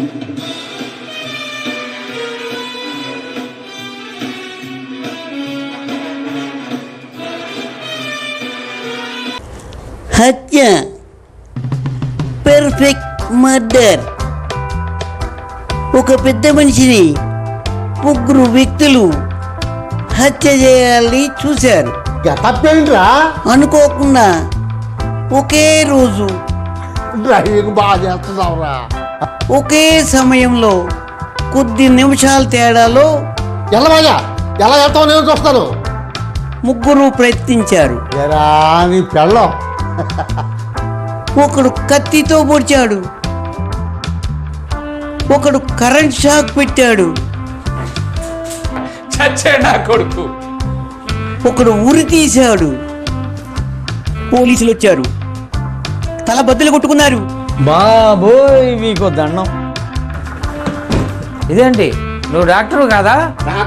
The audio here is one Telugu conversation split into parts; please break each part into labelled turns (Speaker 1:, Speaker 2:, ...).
Speaker 1: హత్య, పర్ఫెక్ట్ మర్డర్. ఒక పెద్ద మనిషిని ముగ్గురు వ్యక్తులు హత్య చేయాలని చూశారు.
Speaker 2: తప్పేంట్రా?
Speaker 1: అనుకోకుండా ఒకే రోజు
Speaker 2: డ్రైవింగ్ బాగా చేస్తున్నావురా.
Speaker 1: ఒకే సమయంలో కొద్ది నిమిషాల తేడాలో
Speaker 2: ఎలా వెళ్తావు నేను చూస్తాను.
Speaker 1: ముగ్గురు ప్రయత్నించారు.
Speaker 2: ఎరా నీ పెళ్ళం.
Speaker 1: ఒకడు కత్తితో పొడిచాడు, ఒకడు కరెంట్ షాక్ పెట్టాడు,
Speaker 3: చచ్చాడు నా కొడుకు.
Speaker 1: ఒకడు ఉరి తీశాడు. పోలీసులు వచ్చారు, తల బద్దలు కొట్టుకున్నారు.
Speaker 4: బాబోయ్ మీకు దండం. ఇదేంటి నువ్వు డాక్టర్ కాదా?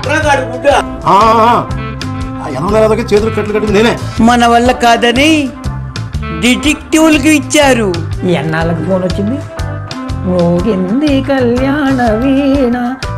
Speaker 2: చేతులు కట్లు కట్టింది నేనే.
Speaker 1: మన వల్ల కాదని డిటెక్టివ్లకు ఇచ్చారు.
Speaker 4: ఎన్నాళ్ళకి ఫోన్ వచ్చింది? మోగింది కళ్యాణ వీణ.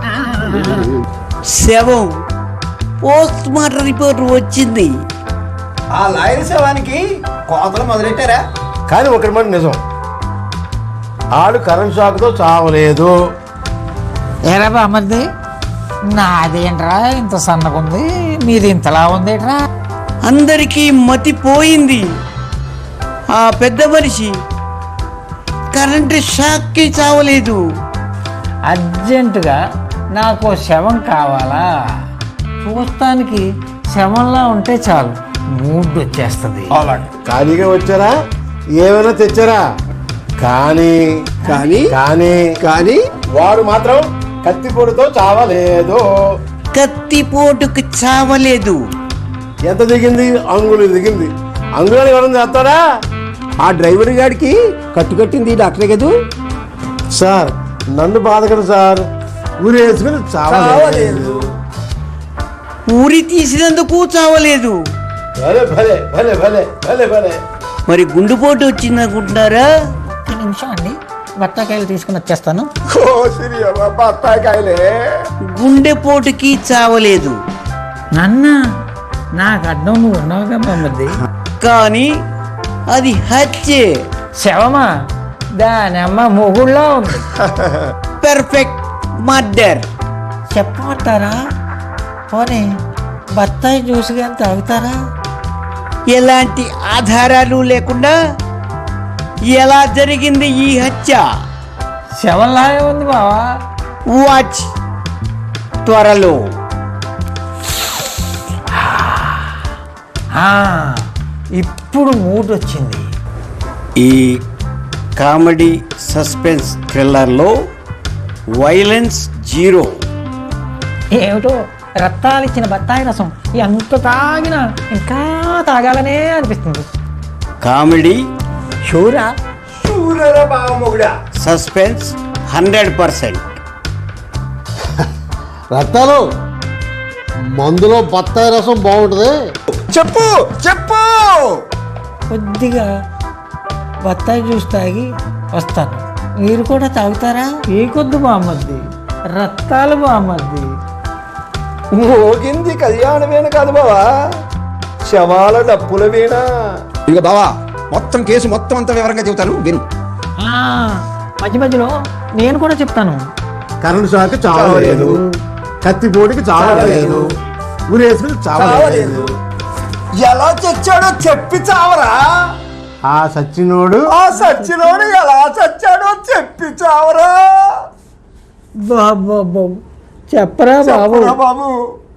Speaker 1: శవం పోస్ట్ మార్టం రిపోర్ట్ వచ్చింది.
Speaker 5: ఆ లాయర్ శవానికి కోతలు మొదలెట్టారా?
Speaker 2: కానీ ఒకటి మాట నిజం, ఆడు కరెంట్ షాక్తో చావలేదు.
Speaker 4: ఏరా బామ్మది, నాదేంట్రా ఇంత సన్నగుంది, మీది ఇంతలా ఉందేట్రా?
Speaker 1: అందరికీ మతిపోయింది. ఆ పెద్ద మనిషి కరెంటు షాక్కి చావలేదు.
Speaker 4: అర్జెంటుగా నాకు శవం కావాలా? చూస్తానికి శవంలా ఉంటే చాలు, మూడ్ వచ్చేస్తుంది.
Speaker 2: ఖాళీగా వచ్చారా? ఏమైనా తెచ్చారా? కానీ కానీ కానీ కానీ వాడు మాత్రం కత్తిపొడితో చావలేదు.
Speaker 1: కత్తిపోటుకు చావలేదు.
Speaker 2: ఎంత దిగింది? అంగుళి దిగింది. అంగుళాలు ఎవరైనా చేస్తాడా?
Speaker 5: ఆ డ్రైవర్ గాడికి కట్టుకట్టింది డాక్టరే కదూ.
Speaker 2: సార్ నన్ను బాధకరు సార్. ఊరి వేసుకుని చావలేదు.
Speaker 1: ఊరి తీసినందుకు చావలేదు.
Speaker 2: భలే భలే భలే భలే భలే భలే.
Speaker 1: మరి గుండుపోటు వచ్చిందనుకుంటున్నారా?
Speaker 4: ఒక నిమిషం అండి, బత్తాకాయలు తీసుకుని వచ్చేస్తాను.
Speaker 2: బత్తాకాయలే.
Speaker 1: గుండెపోటుకి చావలేదు.
Speaker 4: నాన్న నాకు అడ్డం నువ్వు ఉన్నావుగా బామ్మది.
Speaker 1: కానీ అది హత్యే.
Speaker 4: శవమా? దాని అమ్మ మొగుళ్ళో ఉంది.
Speaker 1: Perfect murder.
Speaker 4: చెప్పమంటారా? పోనీ బత్తాయి జ్యూస్ కానీ తాగుతారా?
Speaker 1: ఎలాంటి ఆధారాలు లేకుండా ఎలా జరిగింది ఈ హత్య?
Speaker 4: శవంలాగే ఉంది బావా.
Speaker 1: వాచ్ త్వరలో.
Speaker 4: ఇప్పుడు మూడ్ వచ్చింది.
Speaker 1: ఈ కామెడీ సస్పెన్స్ థ్రిల్లర్లో వైలెన్స్ జీరో.
Speaker 4: ఏమిటో రక్తాలు ఇచ్చిన బత్తాయి రసం ఎంత తాగినా ఇంకా తాగాలనే అనిపిస్తుంది.
Speaker 1: Comedy,
Speaker 4: షూరా
Speaker 1: suspense 100%.
Speaker 2: రత్తాలు మందులో బత్తాయి రసం బాగుంటుంది.
Speaker 5: చెప్పు చెప్పు.
Speaker 4: కొద్దిగా బత్తాయి జ్యూస్ తాగి వస్తాను. మీరు కూడా తాగుతారా? ఏ కొద్దు బామ్మద్ది, రక్తాలు బామ్మద్ది.
Speaker 5: మోగింది కళ్యాణ వీణ కాదు బావా, శవాల డప్పుల వీణ. ఇక బావా మొత్తం కేసు మొత్తం అంతా వివరంగా చెబుతాను విను.
Speaker 4: మధ్య మధ్యలో నేను కూడా చెప్తాను.
Speaker 2: కరెంట్ షాక్ చావలేదు, కత్తిపోటుకి చావలేదు, ఊరి వేసుకుని చావలేదు.
Speaker 5: ఎలా చచ్చాడో చెప్పి చావరా?
Speaker 2: ఆ సచ్చినోడు
Speaker 5: ఎలా చచ్చాడో చెప్పి చావరా
Speaker 4: బాబు చెప్పరా బాబు.
Speaker 5: బాబు.